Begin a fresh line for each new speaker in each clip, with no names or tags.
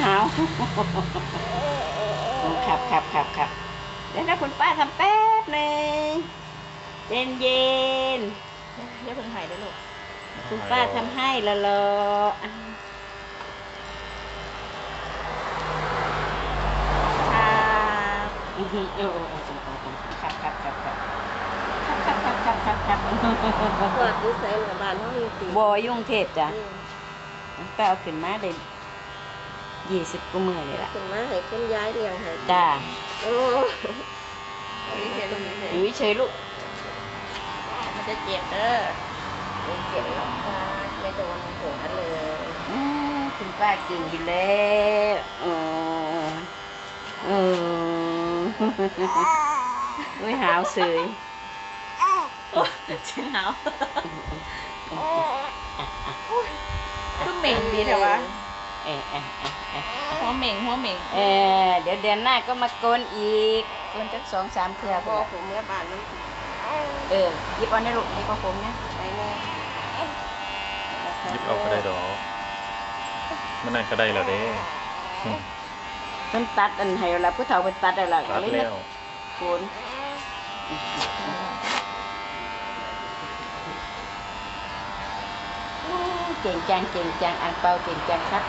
หาวครับเดี๋ยวนะคุณป้าทำแป๊บหนึ่งเย็น
อย่าเพิ่งหายได้ลูก
คุณป้าทำให้ละลอครับ
ปวดดูใส่หน้าบ้านห้องอยู่ตี
บยุ่งเทพจ้ะก็เอาขึ้นมาได้20 กว่ามื้อเลยล่ะ
ขึ้นมาให้คุณยายเลี้ยงให้
จ้า
โอ้
อยู่เฉยลูก
มันจะเจ็บเด้อ
ไม่เจ็บหรอกค่ะไม่โดนหัวเลย
คุณป้าเก่งอยู่แล้วไม่หาวเสย
หาวก็เหม่งดีแต่ว่าหัวเหม่ง
เดี๋ยวเดือนหน้าก็มาโกนอีกโกนจัก2-3 เทื่อ
พ่อผมเมื่อบ้านนั้น
หยิบเอาในลูกหยิบเอาผมเนี่ย
ไปเลย
หยิบเอาก็ได้ดอกมันนั่นก็ได้แล้วเด้
มันตัดอันให้เราผู้เฒ่าเป็นตัดอะไร
ตัดแล้ว
โกนเก่งจังอังเปาเก่งจังครับ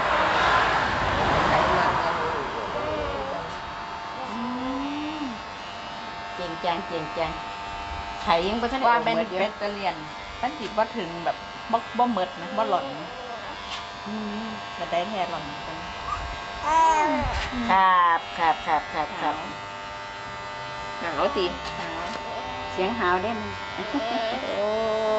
เก่งจังไข่ยังบ่ทัน
ว่าเป็นเป็ดตะเลียนมันสิบ่ถึงแบบบ่หมดนะบ่หล่นจะได้แท้หล่นกัน
ครับ
หาวสิ
เสียงหาวได้มั้ย
โอ้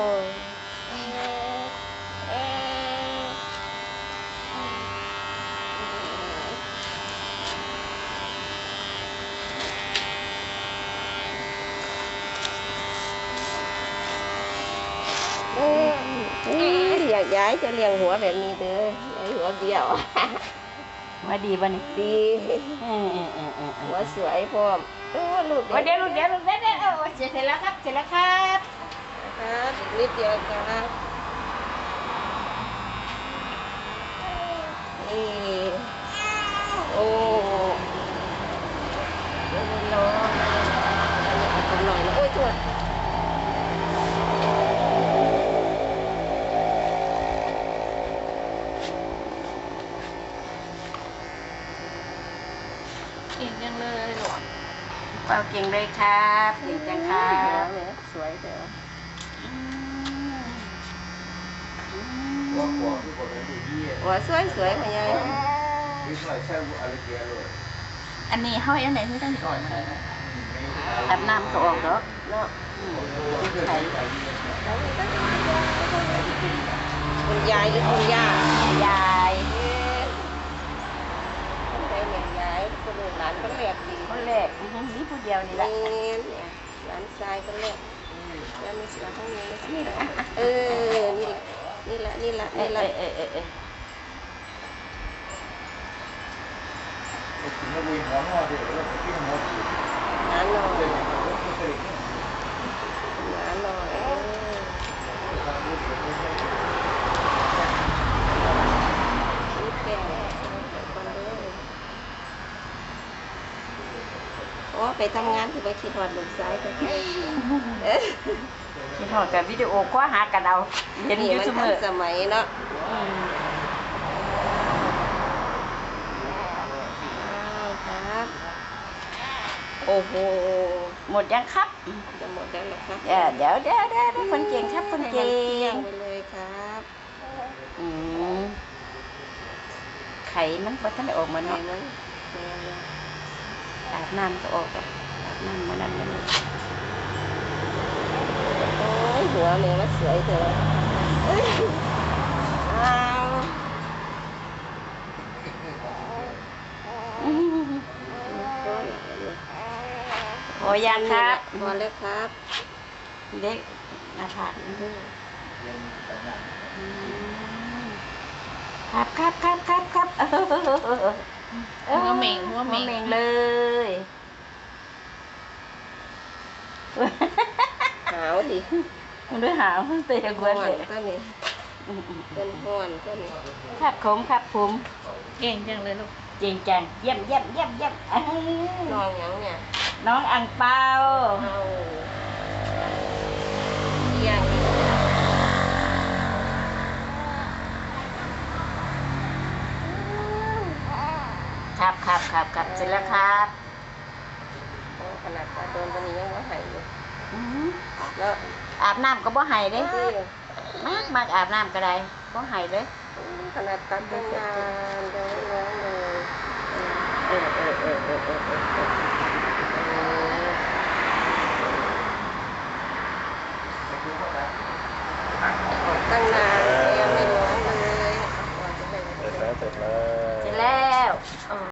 ย้ายจะเลี้ยงหัวแบบนี้เด้อหัวเบี้ยว
ว่าดีป่ะนี่
ดีหัวสวยพร้อมลูก
เดี๋ยวเสร็จแล้วครับ
ครับนิดเดียวครับนี่โอ้เดี๋ยวมันร้อนเอาหน่อยนะโอ้ยตัว
เก่งจังเลยหรอ
เปาเก่งเลยครับเก่งจังครับ
สวยเถอะหัวสวยๆค่ะยาย
อันนี้เฮาอันไหนที่ต้องอ่อนมา
อาบน้ำก็ออกเนาะไข่
คุณยายหรือคุณย่าย
าย
คนอื่นหลานก็แรกดี
คนแรกนี่ผู้เดียวนี่แหละ
หลานชายก็แรกแล้วมีเสือข้างนี้นี่แหละนี่แหละหาหน่อยแก่ไปทำงานที่ไปคิดหอดลูกซ้ายกัน
คิดหอดกับวิดีโอคว้าหากันเอาเห็นอยู่เสมอ
สมัยเนาะครับโอ้โห
หมดยังครับ
จะหมดแล้วหรอครับ
เดี๋ยวคนเก่งครับคนเก่ง
ไปเลยครับ
ไข่มันพอท่านออกมาเนาะอาบน้ำก็ออกอาบน้ำมานั่นมานี่
โอ้ยหัวแม่ว่าสวยเถอะ
พอยังครับ
พอแล้วครับ
เด็กอาผากครับ
หัวเหม่ง
เลย
หาวดิ
มันด้วยหาวเตะกวนเลย
เป็นห่วนก็นี่
ครับผมครับผม
เก่งจังเลยลูก
จริงจังเยี่ยมเยี่ยมเยี่ยมเยี่ยมอื้อ
น้องหยังเนี่ย
น้องอังเปา
เอาเยี่ยง
ครับครับครับครับเสร็จแล้วครับ
ขนาดตาโดนตอนนี้ยังว่าหายอยู่
อื้อ
แล้ว
อาบน้ำก็บ่ให้เด้
นี่
มากอาบน้ำก็ได้บ่ให้เลย
ขนาดตัดตั้งนานยังไม่ร้องเลย
เออ